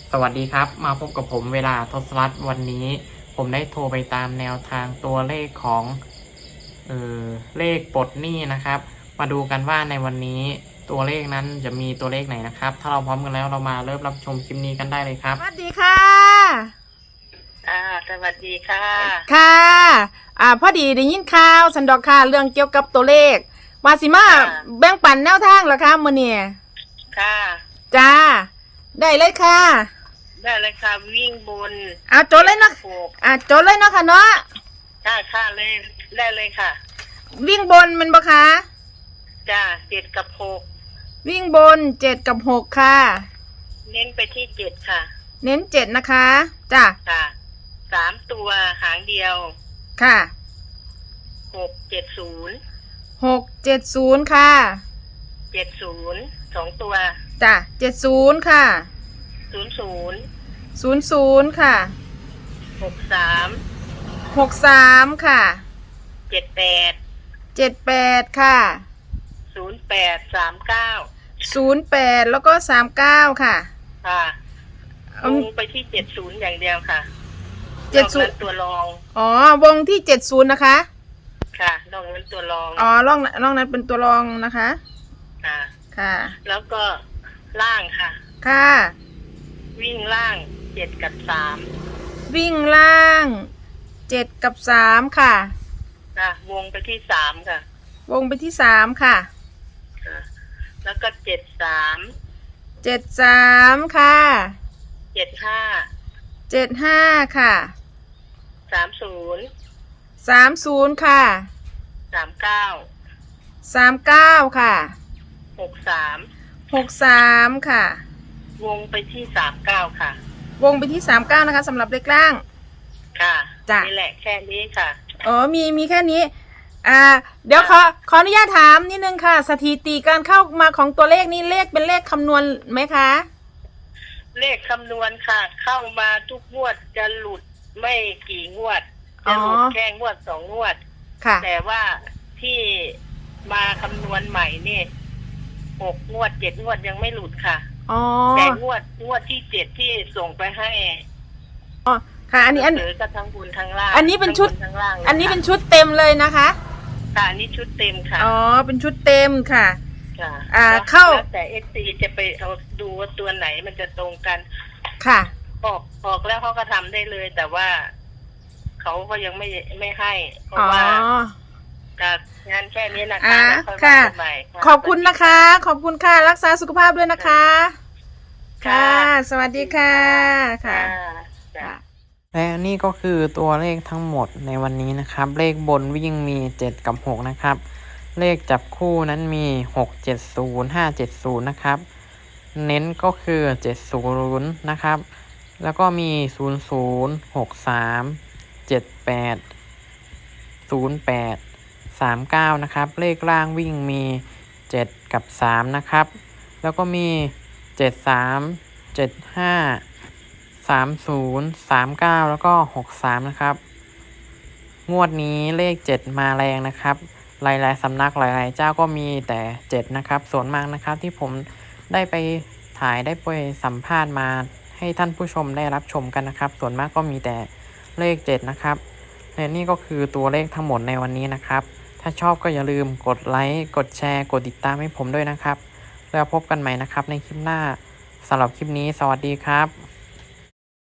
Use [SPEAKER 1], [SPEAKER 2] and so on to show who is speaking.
[SPEAKER 1] สวัสดีครับมาพบกับผมเวลาทศรัตน์วันนี้ผมได้โทรไปตามแนวทางตัวเลขของเลขปลดหนี้นะครับมาดูกันว่าในวันนี้ตัวเลขนั้นจะมีตัวเลขไหนนะครับถ้าเราพร้อมกันแล้วเรามาเริ่มรับชมคลิปนี้กันได้เลยครับ
[SPEAKER 2] สวัสดีค่ะ
[SPEAKER 3] สวัสดีค่ะ
[SPEAKER 2] ค่ะพอดีได้ยินข่าวสันดอกค่ะเรื่องเกี่ยวกับตัวเลขวาสิมาแบ่งปันแนวทางเหรอคะมื้อนี้
[SPEAKER 3] ค่ะ
[SPEAKER 2] จ้าได้เลยค่ะ
[SPEAKER 3] ได้เลยค่ะวิ่งบน
[SPEAKER 2] โจทย์เลยเนาะโจทย์เลยเนาะค่ะเนาะ
[SPEAKER 3] ค่ะเลยได้เลยค่ะ
[SPEAKER 2] วิ่งบนมันบ่คะ
[SPEAKER 3] จ้า7 กับ 6
[SPEAKER 2] วิ่งบน7 กับ 6ค่ะ
[SPEAKER 3] เน้นไปที่7ค่ะ
[SPEAKER 2] เน้น7นะคะจ้า
[SPEAKER 3] ค่ะ3ตัวหางเดียว
[SPEAKER 2] ค่ะ
[SPEAKER 3] 670
[SPEAKER 2] ค่ะ
[SPEAKER 3] 70 2ตัว
[SPEAKER 2] จ้า70ค่ะ
[SPEAKER 3] 00
[SPEAKER 2] ค่ะ63ค่ะ78ค่ะ08แล้วก็39ค่ะ
[SPEAKER 3] ค่ะลงไปที่70อย่างเดียวค่ะ
[SPEAKER 2] 70
[SPEAKER 3] ตัวรอง
[SPEAKER 2] วงที่70นะคะ
[SPEAKER 3] ค่ะนอกนั้นตัวรอง
[SPEAKER 2] ร่องนั้นเป็นตัวรองนะคะค่ะ
[SPEAKER 3] แล้วก็ล่างค่ะ
[SPEAKER 2] ค่ะ
[SPEAKER 3] วิ่งล่าง7 กับ 3
[SPEAKER 2] วิ่งล่าง7 กับ 3ค่ะ
[SPEAKER 3] วงไปที่3ค่ะ
[SPEAKER 2] วงไปที่3ค่ะ
[SPEAKER 3] แล้วก็
[SPEAKER 2] 73ค่ะ75ค่ะ30ค่ะ39ค่ะ63ค่ะ
[SPEAKER 3] วงไปที่39ค่ะ
[SPEAKER 2] วงไปที่39นะคะสำหรับเลขล่าง
[SPEAKER 3] ค่ะ
[SPEAKER 2] จ้ะ
[SPEAKER 3] นี่แหละแค่นี้ค่ะ
[SPEAKER 2] มีแค่นี้เดี๋ยวขออนุญาตถามนิดนึงค่ะสถิติการเข้ามาของตัวเลขนี้เลขเป็นเลขคำนวณไหมคะ
[SPEAKER 3] เลขคำนวณค่ะเข้ามาทุกงวดจะหลุดไม่กี่งวดจะหลุดแค่งวด2 งวด
[SPEAKER 2] ค่ะ
[SPEAKER 3] แต่ว่าที่มาคำนวณใหม่นี่6 งวด 7 งวดยังไม่หลุดค่ะแต่งวดที่7ที่ส่งไปให้
[SPEAKER 2] ค่ะอันนี้
[SPEAKER 3] ก็ทั้งบนทั้งล่าง
[SPEAKER 2] อันนี้เป็นชุดอันนี้เป็นชุดเต็มเลยนะคะ
[SPEAKER 3] ค่ะอันนี้ชุดเต็มค่ะ
[SPEAKER 2] เป็นชุดเต็มค่ะ
[SPEAKER 3] เข้าแต่ XC จะไปเอาดูว่าตัวไหนมันจะตรงกัน
[SPEAKER 2] ค่ะ
[SPEAKER 3] ออกแล้วเขาก็ทำได้เลยแต่ว่าเขาก็ยังไม่ให้เพราะว่างานแค่นี้นะคะ
[SPEAKER 2] ค่ะขอบคุณนะคะขอบคุณค่ะรักษาสุขภาพด้วยนะคะค่ะสวัสดีค่ะค่ะ
[SPEAKER 1] และนี่ก็คือตัวเลขทั้งหมดในวันนี้นะครับเลขบนวิ่งมี7 กับ 6นะครับเลขจับคู่นั้นมี670 570นะครับเน้นก็คือ70นะครับแล้วก็มี00 63 78 08 39นะครับเลขล่างวิ่งมี7 กับ 3นะครับแล้วก็มี73 75 30 39แล้วก็63นะครับงวดนี้เลข7มาแรงนะครับหลายๆสำนักหลายๆเจ้าก็มีแต่7นะครับส่วนมากนะครับที่ผมได้ไปถ่ายได้ไปสัมภาษณ์มาให้ท่านผู้ชมได้รับชมกันนะครับส่วนมากก็มีแต่เลข7นะครับและนี่ก็คือตัวเลขทั้งหมดในวันนี้นะครับถ้าชอบก็อย่าลืมกดไลค์กดแชร์กดติดตามให้ผมด้วยนะครับแล้วพบกันใหม่นะครับในคลิปหน้าสำหรับคลิปนี้สวัสดีครับ